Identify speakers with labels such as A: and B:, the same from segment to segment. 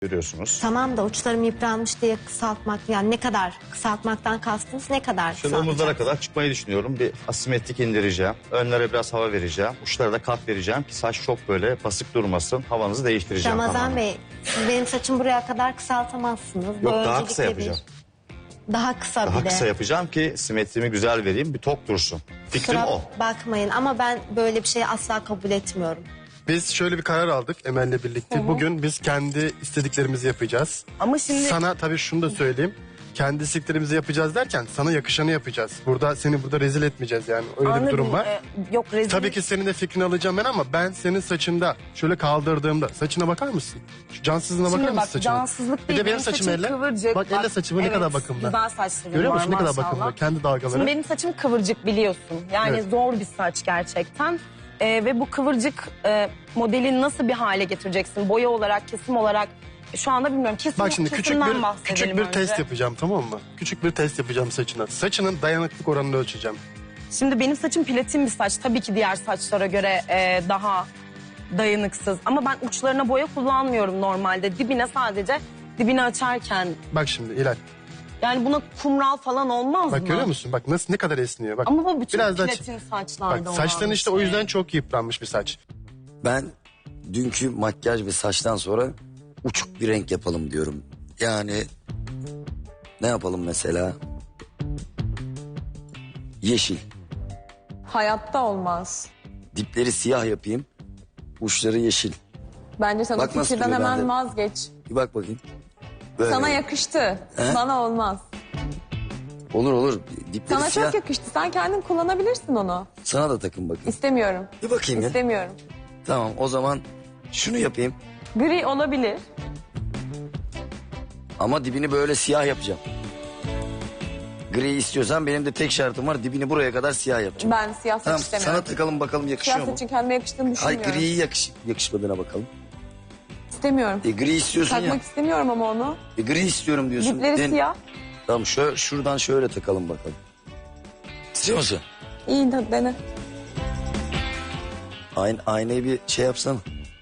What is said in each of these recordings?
A: Görüyorsunuz.
B: Tamam da uçlarım yıpranmış diye kısaltmak, yani ne kadar kısaltmaktan kastınız, ne kadar
A: Şimdi omuzlara
B: kısaltacağız?
A: kadar çıkmayı düşünüyorum. Bir asimetrik indireceğim. Önlere biraz hava vereceğim. Uçlara da kat vereceğim ki saç çok böyle basık durmasın. Havanızı değiştireceğim.
B: Ramazan
A: tamamen.
B: Bey, siz benim saçım buraya kadar kısaltamazsınız. Bu
A: Yok, daha
B: öncelikle
A: kısa yapacağım.
B: Daha kısa
A: Daha
B: bir de.
A: kısa yapacağım ki simetrimi güzel vereyim. Bir tok dursun. Fikrim
B: Kusura
A: o.
B: bakmayın ama ben böyle bir şeyi asla kabul etmiyorum.
C: Biz şöyle bir karar aldık Emel'le birlikte. Bugün biz kendi istediklerimizi yapacağız.
D: Ama şimdi
C: Sana tabii şunu da söyleyeyim. Kendi istediklerimizi yapacağız derken sana yakışanı yapacağız. Seni burada rezil etmeyeceğiz yani. Öyle bir
D: anladım,
C: durum var.
D: Yok rezil.
C: Tabii ki senin de fikrini alacağım ben ama ben senin saçında şöyle kaldırdığımda saçına bakar mısın? Şu cansızlığına bakar
D: Şimdi
C: mısın
D: bak
C: saçına?
D: cansızlık
C: Bir
D: değil.
C: de benim saçım elle.
D: kıvırcık.
C: Bak elle saçımı ne kadar bakımlı.
D: Güzel saçlarım
C: Görüyor
D: var
C: musun ne kadar
D: maşallah.
C: bakımlı? Kendi dalgaları.
D: Şimdi benim saçım kıvırcık biliyorsun. Yani
C: Evet.
D: zor bir saç gerçekten. Ve bu kıvırcık modelini nasıl bir hale getireceksin? Boya olarak, kesim olarak. Şu anda bilmiyorum.
C: Bak şimdi küçük
D: bahsedelim
C: bir
D: önce.
C: test yapacağım, tamam mı? Küçük bir test yapacağım saçına. Saçının dayanıklık oranını ölçeceğim.
D: Şimdi benim saçım platin bir saç. Tabii ki diğer saçlara göre daha dayanıksız. Ama ben uçlarına boya kullanmıyorum normalde. Dibini açarken.
C: Bak şimdi İlay.
D: Yani buna kumral falan olmaz
C: Bak
D: mı?
C: görüyor musun? Bak nasıl, ne kadar esniyor. Bak.
D: Ama bu bütün
C: Biraz da
D: platin saçlarda
C: bak
D: olan
C: saçların
D: bir
C: işte o
D: şey.
C: yüzden çok yıpranmış bir saç.
E: Ben dünkü makyaj ve saçtan sonra uçuk bir renk yapalım diyorum. Yani ne yapalım mesela? Yeşil.
F: Hayatta olmaz.
E: Dipleri siyah yapayım. Uçları yeşil.
F: Bence sen
E: Bak
F: o
E: nasıl
F: fikirden
E: duruyor
F: hemen
E: bende.
F: vazgeç.
E: Bir bak bakayım. Böyle.
F: Sana yakıştı.
E: He?
F: Bana olmaz.
E: Olur olur. Dipleri
F: Sana
E: siyah.
F: çok yakıştı. Sen kendin kullanabilirsin onu.
E: Sana da takın bakayım.
F: İstemiyorum.
E: Bir bakayım ya.
F: İstemiyorum.
E: Tamam o zaman şunu yapayım.
F: Gri olabilir.
E: Ama dibini böyle siyah yapacağım. Gri istiyorsan benim de tek şartım var. Dibini buraya kadar siyah yapacağım.
F: Ben siyah saç
E: Tamam
F: istemiyorum.
E: sana takalım bakalım yakışıyor
F: Siyah
E: mu?
F: saçın kendime yakıştığını
E: Ay
F: düşünmüyorum.
E: griyi yakışmadığına bakalım.
F: İstemiyorum.
E: Gri istiyorsun ya.
F: Takmak istemiyorum ama onu.
E: Gri istiyorum diyorsun.
F: Dipleri siyah.
E: Tamam şuradan şöyle takalım bakalım. İstiyor musun?
F: İyi de dene.
E: Aynayı bir şey yapsana.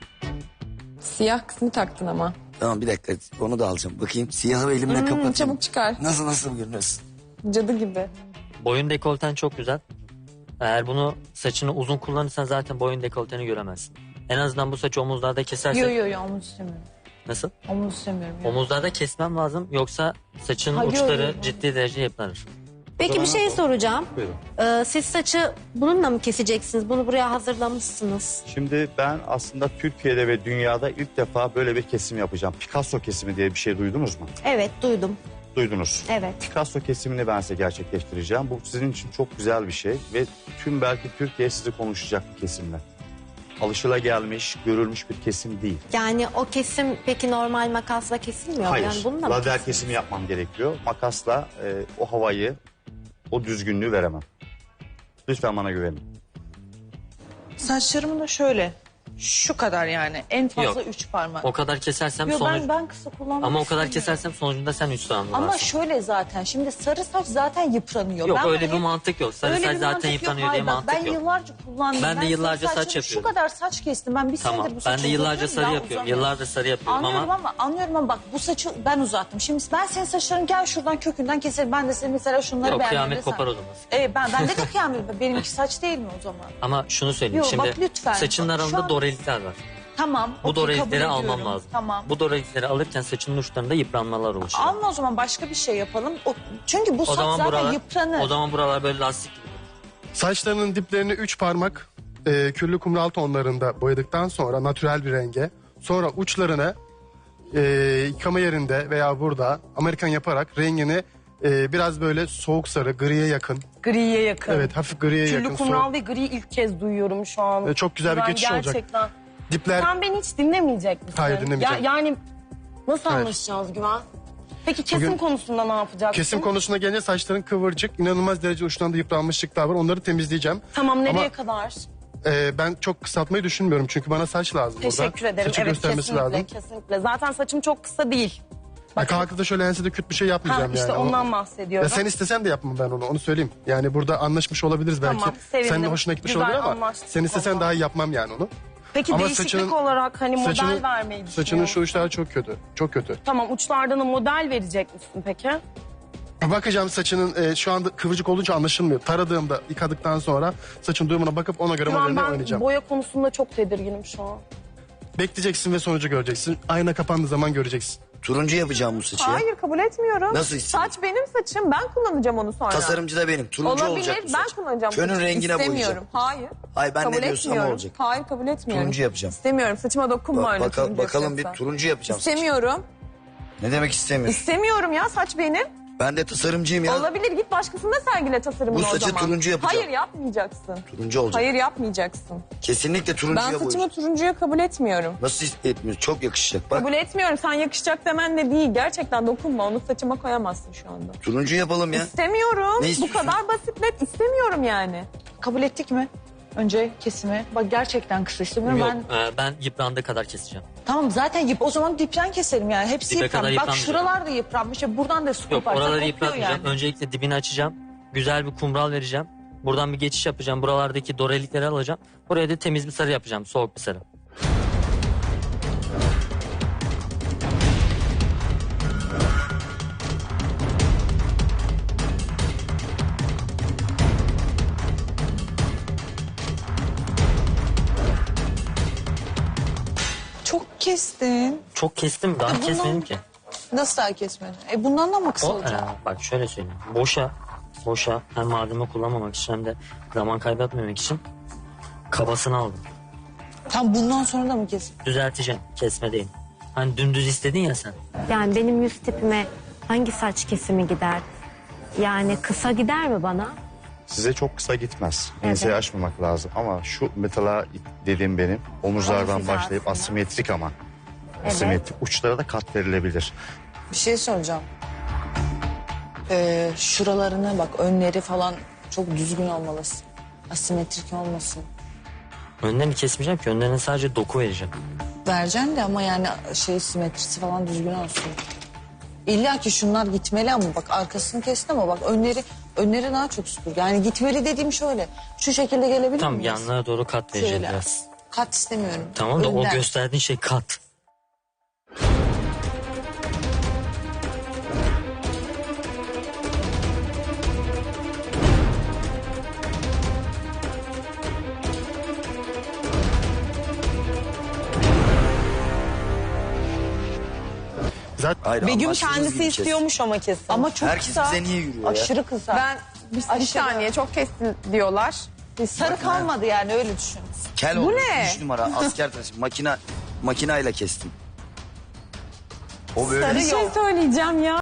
F: Siyah kısmı taktın ama.
E: Tamam bir dakika onu da alacağım. Bakayım siyahı elimle kapatayım.
F: Çabuk çıkar.
E: Nasıl görünüyorsun?
F: Cadı gibi.
G: Boyun dekolten çok güzel. Eğer bunu saçını uzun kullanırsan zaten boyun dekolteni göremezsin. En azından bu saçı omuzlarda kesersen...
F: Yo omuz istemiyorum.
G: Nasıl?
F: Omuz istemiyorum.
G: Omuzlarda kesmem lazım yoksa saçın
F: Ha, yo,
G: uçları
F: yo.
G: ciddi derece yıpranır.
B: Peki bir şey soracağım.
A: Buyurun.
B: Siz saçı bununla mı keseceksiniz? Bunu buraya hazırlamışsınız.
A: Şimdi ben aslında Türkiye'de ve dünyada ilk defa böyle bir kesim yapacağım. Picasso kesimi diye bir şey duydunuz mu?
B: Evet, duydum.
A: Duydunuz.
B: Evet.
A: Picasso kesimini ben size gerçekleştireceğim. Bu sizin için çok güzel bir şey ve tüm belki Türkiye sizi konuşacak bir kesimle. Alışılagelmiş, görülmüş bir kesim değil.
B: Yani o kesim peki normal makasla kesilmiyor mu?
A: Hayır,
B: Yani bununla mı
A: lazer
B: kesiliyor?
A: kesimi yapmam gerekiyor. Makasla o havayı, o düzgünlüğü veremem. Lütfen bana güvenin.
H: Saçlarım da şöyle. Şu kadar yani. En fazla
G: Yok.
H: 3 parmak.
G: O kadar kesersem
H: Yo,
G: sonuç...
H: ben kısa kullanmak
G: Ama o kadar
H: istemiyorum.
G: kesersem sonucunda sen 3 tane
H: Ama
G: varsın.
H: şöyle zaten. Şimdi sarı saç zaten yıpranıyor.
G: Yok
H: Ben
G: öyle
H: bunu
G: bir
H: hep-
G: mantık yok. Sarı
H: Öyle
G: saç
H: bir
G: zaten
H: mantık yok.
G: yıpranıyor diye
H: Hayır, bak,
G: mantık
H: ben
G: yok.
H: yıllarca kullandım.
G: Ben de yıllarca
H: sarı
G: saç
H: saçımı
G: yapıyorum.
H: Şu kadar saç kestim. Ben bir
G: Tamam
H: senedir bu saçı
G: ben de yıllarca
H: uzatıyorum,
G: sarı
H: daha
G: yapıyorum.
H: uzamıyor.
G: Yıllardır sarı yapıyorum
H: Anlıyorum ama bak bu saçı ben uzattım. Şimdi ben senin saçların gel şuradan kökünden keselim. Ben de senin mesela şunları
G: Yok
H: beğenmedim.
G: kıyamet
H: desem.
G: kopar o zaman.
H: Bende de kıyamet. Benimki saç değil mi o zaman?
G: Ama şunu söyleyeyim
H: Yok,
G: şimdi
H: bak lütfen.
G: saçının
H: Bak, şu
G: arasında
H: an-
G: dorelikler var.
H: Tamam.
G: Bu
H: okey, kabul
G: dorelikleri almam
H: ediyorum.
G: lazım.
H: Tamam.
G: Bu dorelikleri alırken saçının uçlarında yıpranmalar oluşuyor.
H: Alma o zaman başka bir şey yapalım. Çünkü bu
G: O
H: saç
G: zaman
H: zaten
G: buralar,
H: yıpranır.
G: o zaman buralar böyle lastik gibi.
C: Saçlarının diplerini 3 parmak küllü kumral tonlarında boyadıktan sonra natürel bir renge. Sonra uçlarını yıkama yerinde veya burada Amerikan yaparak rengini biraz böyle soğuk sarı, griye yakın.
D: Griye yakın.
C: Evet, hafif griye yakın.
D: Küllü kumral ve gri ilk kez duyuyorum şu an.
C: Çok güzel bir
D: Ben
C: geçiş olacak.
D: gerçekten.
C: Dipler
D: Sen beni hiç dinlemeyecek misin?
C: Hayır, dinlemeyeceğim.
D: Yani nasıl
C: Hayır.
D: anlaşacağız Güven? Peki kesim
C: Bugün-
D: konusunda ne yapacaksın?
C: kesim konusuna gelince saçların kıvırcık, inanılmaz derece uçlarında yıpranmışlıklar var. Onları temizleyeceğim.
D: Tamam nereye
C: Ama-
D: kadar?
C: Ben çok kısaltmayı düşünmüyorum çünkü bana saç lazım burada.
D: Teşekkür ederim.
C: Saçı
D: Evet
C: göstermesi
D: kesinlikle,
C: lazım.
D: kesinlikle. Zaten saçım çok kısa değil.
C: Kalkıp da şöyle ensede küt bir şey yapmayacağım
D: işte
C: yani.
D: ondan bahsediyorum.
C: Ya sen istesen de yapmam ben onu söyleyeyim. Yani burada anlaşmış olabiliriz belki.
D: Tamam, sevindim.
C: Senin de hoşuna gitmiş
D: Güzel
C: olabilir ama
D: anlaştık
C: sen istesen
D: vallahi.
C: daha iyi yapmam yani onu.
D: Peki
C: Ama
D: değişiklik
C: saçının-
D: olarak hani model vermeyi
C: Saçının
D: düşünüyor
C: şu uçları çok kötü. Çok kötü.
D: Tamam, uçlardan da model verecek misin peki?
C: Bakacağım saçının şu anda kıvırcık olunca anlaşılmıyor. Taradığımda, yıkadıktan sonra saçın durumuna bakıp ona göre
D: Şu an
C: modeline
D: ben
C: oynayacağım.
D: boya konusunda çok tedirginim şu an.
C: Bekleyeceksin ve sonucu göreceksin. Ayna kapandığı zaman göreceksin.
E: Turuncu yapacağım bu saçı ya.
F: Hayır kabul etmiyorum.
E: Nasıl istiyorsun?
F: Saç benim saçım. Ben kullanacağım onu sonra.
E: Tasarımcı da benim. Turuncu
F: Olabilir.
E: olacak bu
F: Ben
E: saç.
F: kullanacağım.
E: Fönün
F: saçı.
E: rengine
F: İstemiyorum.
E: boyayacağım.
F: Hayır.
E: Hayır ben
F: Kabul
E: ne diyorsam o
F: etmiyorum.
E: olacak.
F: Hayır kabul etmiyorum.
E: Turuncu yapacağım.
F: İstemiyorum. Saçıma dokunma öyle. turuncu
E: Bakalım bir
F: yapacaksan.
E: turuncu yapacağım saçı.
F: İstemiyorum.
E: Ne demek istemiyorum?
F: İstemiyorum ya, saç benim.
E: Ben de tasarımcıyım ya.
F: Olabilir, git başkasında sergile tasarımını
E: Bu
F: o
E: saçı
F: zaman.
E: turuncu yapacağım.
F: Hayır yapmayacaksın.
E: Turuncu olacak.
F: Hayır yapmayacaksın.
E: Kesinlikle
F: Ben
E: turuncuya
F: saçımı
E: boyayacağım.
F: turuncuya kabul etmiyorum.
E: Nasıl etmiyorsun? Çok yakışacak. Bak
F: Kabul etmiyorum. Sen yakışacak demen de değil. Gerçekten dokunma. Onu saçıma koyamazsın şu anda.
E: turuncu yapalım ya.
F: İstemiyorum.
E: Ne
F: Bu
E: istiyorsun?
F: kadar basit, net istemiyorum yani.
H: Kabul ettik mi? Önce kesimi. Bak gerçekten kısa istemiyorum.
G: Yok
H: Ben
G: ben yıprandığı kadar keseceğim.
H: tamam zaten o zaman dipten keselim yani. Hepsi
G: Dibe kadar
H: yıpranmış. Bak
G: yıpranmayacak.
H: şuralar da yıpranmış. Buradan da su
G: Yok
H: koparsa
G: oraları
H: kopuyor
G: yıpratmayacağım.
H: yani.
G: Öncelikle dibini açacağım. Güzel bir kumral vereceğim. Buradan bir geçiş yapacağım. Buralardaki dorelikleri alacağım. Buraya da temiz bir sarı yapacağım. Soğuk bir sarı.
H: Çok kestin.
G: Çok kestim. Daha kesmedim ki.
H: Nasıl daha kesmedin? Bundan da mı kısa
G: O,
H: olacak?
G: bak şöyle söyleyeyim. Boşa hem malzeme kullanmamak için hem de zaman kaybetmemek için kabasını aldım.
H: Tam bundan sonra da mı kesin?
G: Düzelteceğim. Kesme değil. Hani dümdüz istedin ya sen.
B: Yani benim yüz tipime hangi saç kesimi gider? Yani kısa gider mi bana?
A: Size çok kısa gitmez.
B: Evet.
A: Enseyi açmamak lazım. Ama şu mesela dediğim benim omuzlardan
B: Hangisi
A: başlayıp
B: aslında?
A: asimetrik ama.
B: Evet.
A: Asimetrik. Uçlara da kat verilebilir.
H: Bir şey soracağım. Şuralarına bak, önleri falan çok düzgün olmalısın. Asimetrik olmasın.
G: Önlerini kesmeyeceğim ki. Önlerine sadece doku vereceğim.
H: Vereceksin de ama yani simetrisi falan düzgün olsun. İlla ki şunlar gitmeli ama bak arkasını kestin ama bak önleri daha çok süpür. Yani gitmeli dediğim şöyle. Şu şekilde gelebilir
G: Tam
H: miyiz?
G: yanlara doğru kat vereceğim
H: Şöyle.
G: biraz.
H: Kat istemiyorum.
G: Tamam da o
H: Önden.
G: gösterdiğin şey kat.
C: Zaten
E: Hayır,
D: Begüm
E: anlaştığımız
D: kendisi
E: gibi kes.
D: istiyormuş ama kesin.
H: Ama çok
E: Herkes
H: kısa.
E: bize niye yürüyor ya?
H: Aşırı kısa.
F: Ben bir saniye çok kestin diyorlar.
H: Sarı kalmadı yani öyle düşün.
E: Kel
F: Bu
E: oldu.
F: ne?
E: 3 numara asker taşı. Makinayla kestim. O böyle.
F: Bir şey söyleyeceğim ya.